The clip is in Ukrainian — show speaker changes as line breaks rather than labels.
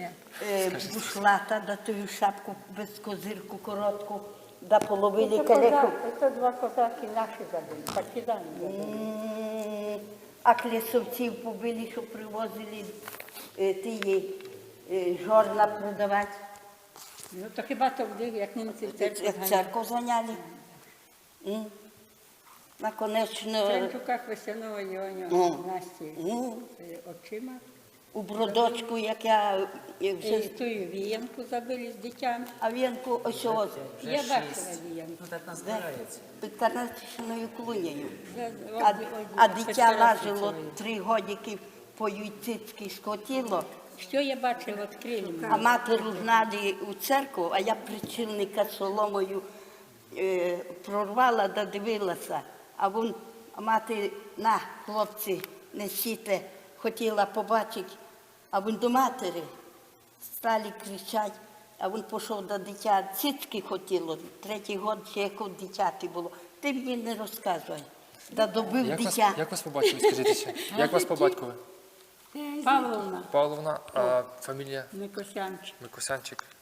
бушлата, да тую шапку без козирку коротку, да половили калеку.
Це два козаки наші забили, партизани забили.
А клісовців побили, що привозили ті жорна продавати.
Ну, то хіба то буде, як німці в церкву
Як
зганяли?
церкву зганяли. Наконечно,
В Тренчуках Весянової Насті очима.
у бродочку, як я
І
вже...
тую віянку забили з дитям.
А вінку ось ось,
Я бачила віянку.
Ну, так назбирається.
під карнатичною клунею.
А
А дитя важило 3 годики по юйцицьки скотіло.
Що я бачила від Криму?
А матеру гнали у церкву, а я причільника соломою прорвала да дивилася. А мати, на, хлопці, несіть, хотіла побачити. А він до матері стали кричати, а він пішов до дитя. Цицьки хотіло, 3-й год ще як у дитяти було. Ти мені не розказуй. Да добив дитя.
Як вас побачили, скажіть ще? Як вас по батькові?
Павловна
Павловна, а фамілія
Микосянчик.
Микосянчик.